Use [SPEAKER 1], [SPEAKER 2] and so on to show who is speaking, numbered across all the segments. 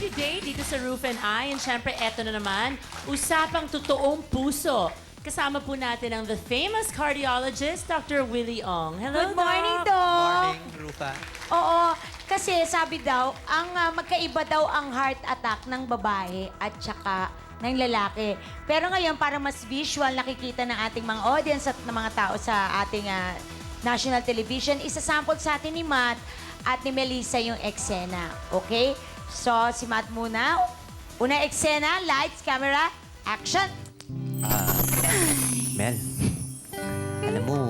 [SPEAKER 1] Good day dito sa Roof and Eye. And syempre, eto na naman, usapang totoong puso. Kasama po natin ang the famous cardiologist, Dr. Willie Ong. Hello,
[SPEAKER 2] Good morning,
[SPEAKER 1] Doc.
[SPEAKER 2] Doc.
[SPEAKER 3] Morning, Rufa.
[SPEAKER 2] Oo, kasi sabi daw, ang magkaiba daw ang heart attack ng babae at saka ng lalaki. Pero ngayon, para mas visual nakikita ng ating mga audience at ng mga tao sa ating national television, isasample sa atin ni Matt at ni Melissa yung eksena. Okay? So, si Matt muna. Una eksena, lights, camera, action!
[SPEAKER 3] Mel, alam mo,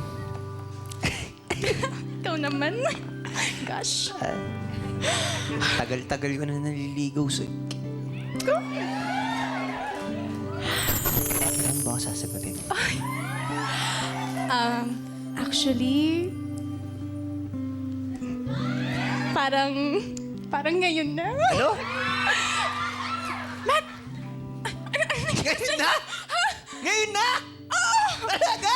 [SPEAKER 4] Ikaw naman. Gosh.
[SPEAKER 3] tagal-tagal ko na naliligaw sa... Ano ba ako sasagutin?
[SPEAKER 4] Actually, parang ngayon na.
[SPEAKER 3] Ano? Ngayon na? Ngayon na? Talaga?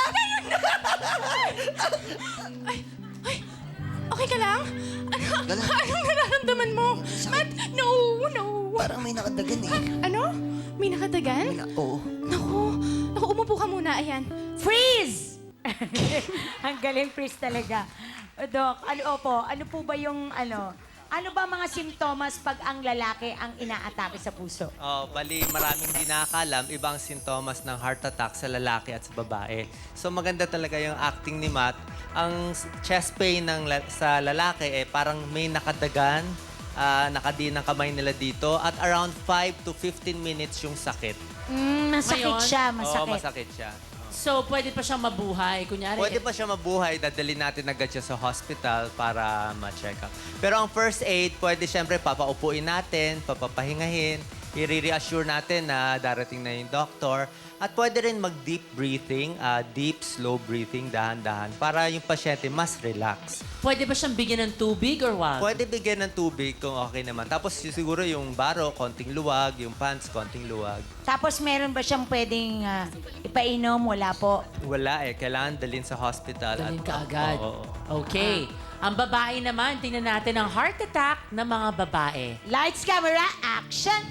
[SPEAKER 4] Okay ka lang? Anong nararamdaman mo? Matt, no.
[SPEAKER 3] Parang may nakadagan eh.
[SPEAKER 4] Ano? May nakadagan?
[SPEAKER 3] Oo.
[SPEAKER 4] Naku, umupo ka muna. Ayan.
[SPEAKER 2] Freeze! Ang galing freeze talaga. Doc, ano po ba yung ano ba mga simptomas pag ang lalaki ang inaatake sa puso?
[SPEAKER 5] Bali, maraming di nakakalam, ibang sintomas ng heart attack sa lalaki at sa babae. So maganda talaga yung acting ni Matt. Ang chest pain sa lalaki, parang may nakadagan, nakadiin ang kamay nila dito, at around 5 to 15 minutes yung sakit.
[SPEAKER 2] Masakit
[SPEAKER 1] Ngayon?
[SPEAKER 2] siya,
[SPEAKER 5] Oo,
[SPEAKER 2] masakit.
[SPEAKER 5] masakit siya.
[SPEAKER 1] So, pwede pa siyang mabuhay. Kunyari,
[SPEAKER 5] Pwede pa siya mabuhay, dadalhin natin agad siya sa hospital para ma-check up. Pero ang first aid, pwede siyempre papaupuin natin, papapahingahin, i-reassure natin na darating na yung doctor. At pwede rin mag-deep breathing, deep, slow breathing, dahan-dahan, para yung pasyente mas relax.
[SPEAKER 1] pwede ba siyang bigyan ng tubig or what?
[SPEAKER 5] Pwede bigyan ng tubig kung okay naman. Tapos siguro yung baro, konting luwag, yung pants, konting luwag.
[SPEAKER 2] Tapos meron ba siyang pwedeng ipainom? Wala po.
[SPEAKER 5] Wala kailangan dalhin sa hospital.
[SPEAKER 1] Dalhin
[SPEAKER 5] at-
[SPEAKER 1] ka agad.
[SPEAKER 5] Oo.
[SPEAKER 1] Okay. Ang babae naman, tingnan natin ang heart attack ng mga babae.
[SPEAKER 2] Lights, camera, action!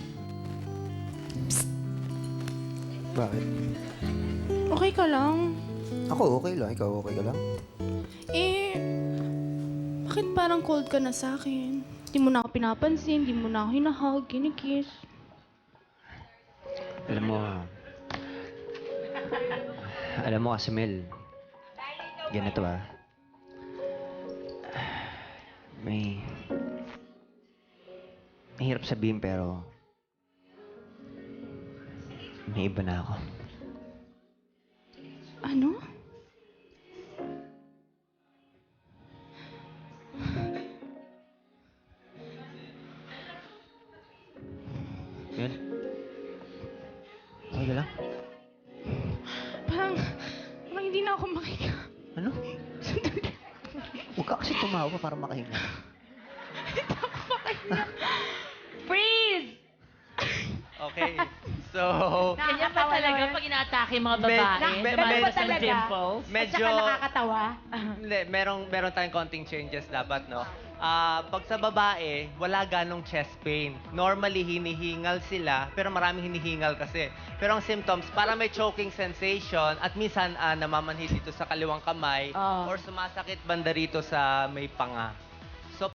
[SPEAKER 3] Bakit?
[SPEAKER 4] Okay ka lang?
[SPEAKER 3] Ako okay lang. Ikaw okay ka lang?
[SPEAKER 4] Bakit parang cold ka na sa akin? Di mo na ako pinapansin, di mo na ako hinahug, kinikiss.
[SPEAKER 3] Alam mo kasi Mel, ganito mahirap sabihin pero may iba na ako.
[SPEAKER 4] Ano?
[SPEAKER 3] Mel? Okay ka lang?
[SPEAKER 4] Parang hindi na ako makika.
[SPEAKER 3] Ano? Huwag ka kasi tumawa para makahinga.
[SPEAKER 2] Freeze!
[SPEAKER 5] Okay. So,
[SPEAKER 1] Ganyan ba talaga pag inaatake yung mga babae?
[SPEAKER 5] Med-
[SPEAKER 1] Lumalabas
[SPEAKER 2] med-
[SPEAKER 1] ang
[SPEAKER 2] talaga?
[SPEAKER 1] dimples?
[SPEAKER 2] At
[SPEAKER 5] medyo...
[SPEAKER 2] saka nakakatawa.
[SPEAKER 5] Hindi, meron tayong konting changes dapat, no? Pag sa babae, wala ganong chest pain. Normally, hinihingal sila, pero maraming hinihingal kasi. Pero ang symptoms, para may choking sensation at minsan namamanhid dito sa kaliwang kamay
[SPEAKER 2] Oh.
[SPEAKER 5] or sumasakit banda rito sa may panga.